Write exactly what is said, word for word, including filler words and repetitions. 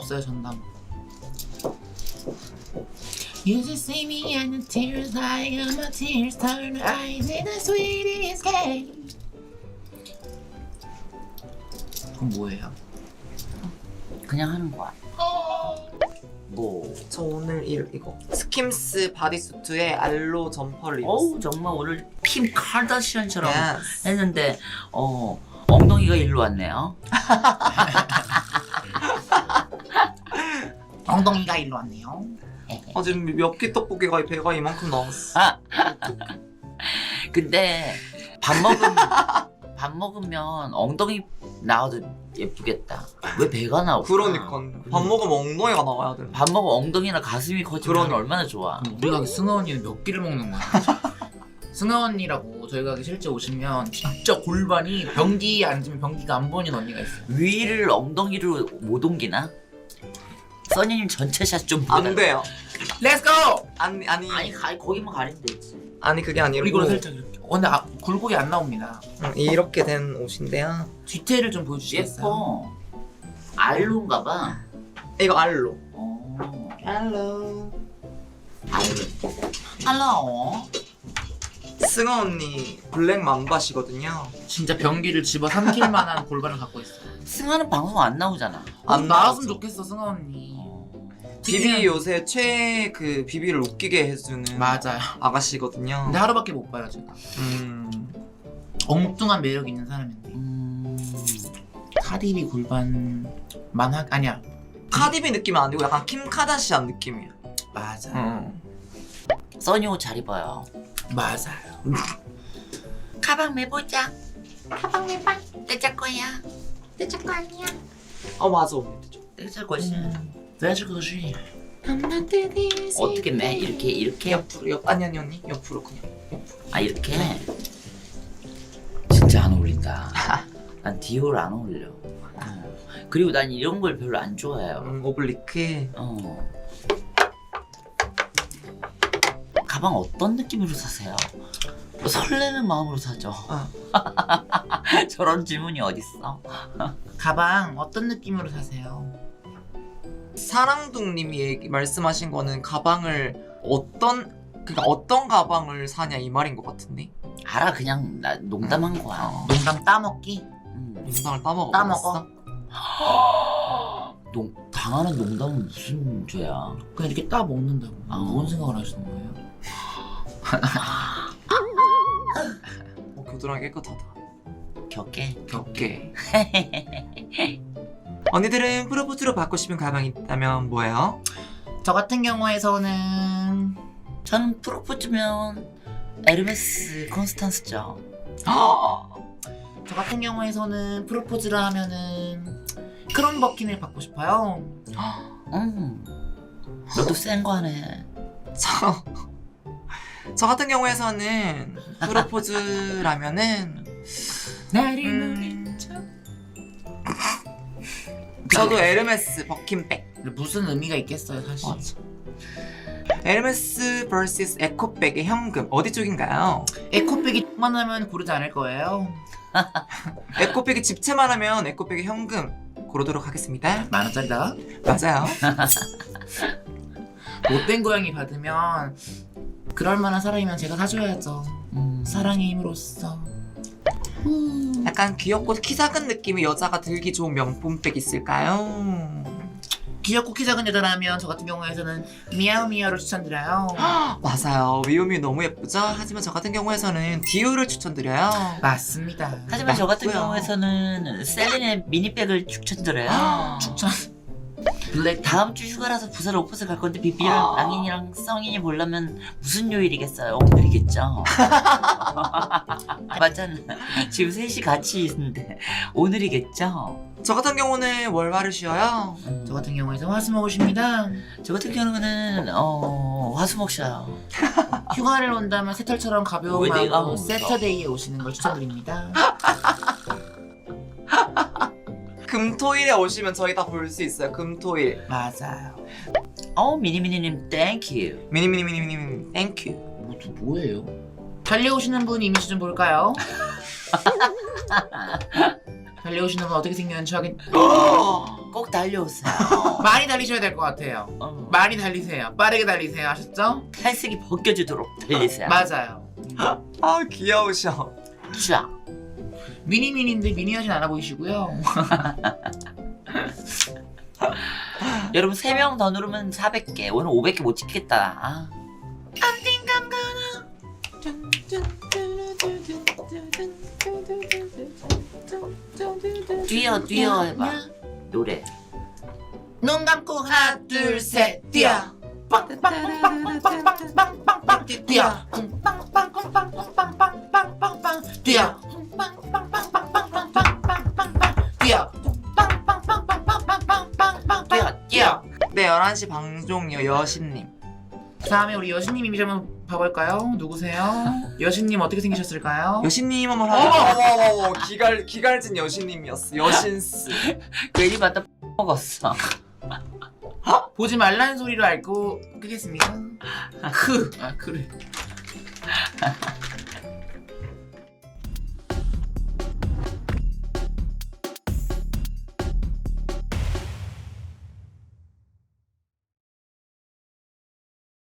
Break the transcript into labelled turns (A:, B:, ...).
A: 없어요 전담. You just see me and the tears like my tears turn to ice in the sweetest game. 그건 뭐예요?
B: 그냥 하는 거야. 뭐?
C: 저 오늘 이, 이거 스킴스 바디수트에 알로 점퍼를 입었어.
B: 어우 정말 오늘 킴 카다시안처럼
C: Yes.
B: 했는데 어 엉덩이가 일로 왔네요.
A: 엉덩이가 일로 왔네요.
C: 아 지금 몇 끼 떡볶이가 배가 이만큼 나왔어.
B: 근데 밥 먹으면 밥 먹으면 엉덩이 나와도 예쁘겠다. 왜 배가 나올까?
C: 그러니까 밥 먹으면 엉덩이가 나와야 돼.
B: 밥 먹으면 엉덩이나 가슴이 커지면
C: 그러니까.
B: 얼마나 좋아.
A: 우리 가게 승아 언니는 몇 끼를 먹는 거야? 승아 언니라고 저희 가게 실제 오시면 진짜 골반이 변기 앉으면 변기가 안 보이는 언니가 있어요.
B: 위를 엉덩이로 못 옮기나? 써니님 전체 샷좀
C: 안 돼요.
A: Let's go!
C: 아니 아니
B: 아니 가, 거기만 가리면 되지.
C: 아니 그게 아니고
A: 이거는 살짝 이렇게. 어, 근데 아, 굴곡이 안 나옵니다.
C: 음, 이렇게 된 옷인데요.
A: 뒤태를 좀 보여주시겠어요?
B: 예뻐. 알로인가 봐.
C: 이거 알로.
B: 어.
C: 알로.
B: 알로.
A: 할로.
C: 승아 언니 블랙 맘바시거든요.
A: 진짜 변기를 집어 삼킬 만한 골반을 갖고 있어.
B: 승아는 방송 안 나오잖아.
C: 안
A: 안 나왔으면
C: 나왔어.
A: 좋겠어 승아 언니.
C: 비비 요새 최애 그 비비를 웃기게 해주는
A: 맞아요.
C: 아가씨거든요.
A: 근데 하루밖에 못 봐요 제가.
C: 음.
A: 엉뚱한 매력 있는 사람인데.
B: 음.
A: 카디비 골반만 하 아니야.
C: 카디비 느낌은 아니고 약간 킴 카다시안 느낌이야.
A: 맞아.
C: 음.
B: 써니 옷 잘 입어요.
A: 맞아요.
B: 가방 매보자. 가방 매봐. 내자 거야.
D: 내적 거 아니야.
C: 어 맞아 언니.
B: 내자 거지.
A: 내줄 것이.
B: 어떻게 매? 이렇게 이렇게?
C: 옆으로 옆 아니 아니 언니 옆으로 그냥 옆으로.
B: 아 이렇게? 진짜 안 어울린다. 난 디올 안 어울려. 어. 그리고 난 이런 걸 별로 안 좋아해요.
C: 음, 오블리크.
B: 어. 가방 어떤 느낌으로 사세요? 뭐 설레는 마음으로 사죠.
C: 어.
B: 저런 질문이 어딨어?
A: 가방 어떤 느낌으로 사세요?
C: 사랑둥님이 얘기, 말씀하신 거는 가방을 어떤 그러니까 어떤 가방을 사냐 이 말인 것 같은데.
B: 알아 그냥 나 농담한 거야.
C: 어.
A: 농담 따먹기?
B: 음.
C: 농담을 따먹어.
A: 따먹어.
B: 농, 당하는 농담은 무슨 죄야?
A: 그냥 이렇게 따 먹는다고.
B: 아.
A: 뭔 생각을 하시는 거예요?
C: 어, 겨드랑이 깨끗하다.
B: 격게?
C: 겹게. 언니들은 프로포즈로 받고 싶은 가방이 있다면 뭐예요?
A: 저 같은 경우에서는
B: 저는 프로포즈면 에르메스 콘스탄스죠.
A: 저 같은 경우에서는 프로포즈를 하면은 크롬 버킨을 받고 싶어요.
B: 음, 너도 센 거 하네.
C: 저, 저 같은 경우에서는 프로포즈라면은
A: 나를
C: 음.
A: 노린 척.
C: 저도 에르메스 버킨백.
A: 근데 무슨 의미가 있겠어요 사실.
C: 맞아. 에르메스 vs 에코백의 현금 어디 쪽인가요?
A: 에코백이 만하면 고르지 않을 거예요.
C: 에코백이 집채만 하면 에코백의 현금 고르도록 하겠습니다.
A: 만 원짜리다.
C: 맞아요.
A: 못된 고양이 받으면 그럴 만한 사람이면 제가 사줘야죠.
B: 음,
A: 사랑의 힘으로써.
C: 약간 귀엽고 키 작은 느낌의 여자가 들기 좋은 명품백 있을까요?
A: 귀엽고 키 작은 여자라면 저 같은 경우에서는 미야오미야를 추천드려요.
C: 맞아요. 미우미 너무 예쁘죠? 하지만 저 같은 경우에서는 디오를 추천드려요.
A: 맞습니다.
B: 하지만 저 같은
C: 맞고요.
B: 경우에서는 셀린의 미니백을 추천드려요.
A: 추천. 블랙
B: 다음 주 휴가라서 부산 오퍼스 갈 건데 비비랑
C: 아.
B: 랑인이랑 성인이 보려면 무슨 요일이겠어요? 오늘이겠죠. 맞잖아. 지금 셋이 같이 있는데 오늘이겠죠.
C: 저 같은 경우는 월화를 쉬어요.
B: 음,
A: 저 같은 경우에서 화수목 오십니다.
B: 저 같은 경우는 어 화수목 쉬어요.
A: 휴가를 온다면 새털처럼 가벼운
B: 왜 내가
A: 마음으로
B: 먹어?
A: 세터데이에 오시는 걸 추천드립니다.
C: 금토일에 오시면 저희 다 볼 수 있어요. 금토일.
A: 맞아요.
B: 어 미니미니님 땡큐.
C: 미니미니미니미니 땡큐.
A: 뭐, 또 뭐예요? 달려오시는 분 이미지 좀 볼까요? 달려오시는 분 어떻게 생겼는지 확인.
B: 꼭 달려오세요.
A: 많이 달리셔야 될 것 같아요.
B: 어,
A: 많이 달리세요. 빠르게 달리세요. 아셨죠?
B: 탈색이 벗겨지도록 달리세요.
A: 맞아요.
C: 아 귀여우셔.
B: 쫙.
A: 미니미니인데 미니하진 않아 보이시고요.
B: 여러분 세 명 더 누르면 사백 개. 오늘 오백 개 못 찍겠다. 아. 뛰어 뛰어 해봐. 노래.
A: 눈 감고 하나 둘 셋 뛰어. 빵빵빵빵빵빵빵빵빵 뛰어. 빵빵빵빵빵빵빵빵빵 뛰어. 빵빵빵빵빵빵빵빵빵 뛰어. 빵빵빵빵빵빵빵빵
B: 뛰어 뛰어.
C: 네 열한 시 방종이요 여신님.
A: 다음에 우리 여신님 이미지 한번 봐볼까요? 누구세요? 여신님 어떻게 생기셨을까요?
C: 여신님 한번 하자. 기갈 기갈진 여신님이었어. 여신스.
B: 괜히 봤다 먹었어.
A: 보지 말라는 소리로 알고 끄겠습니다. 크. 아 그래.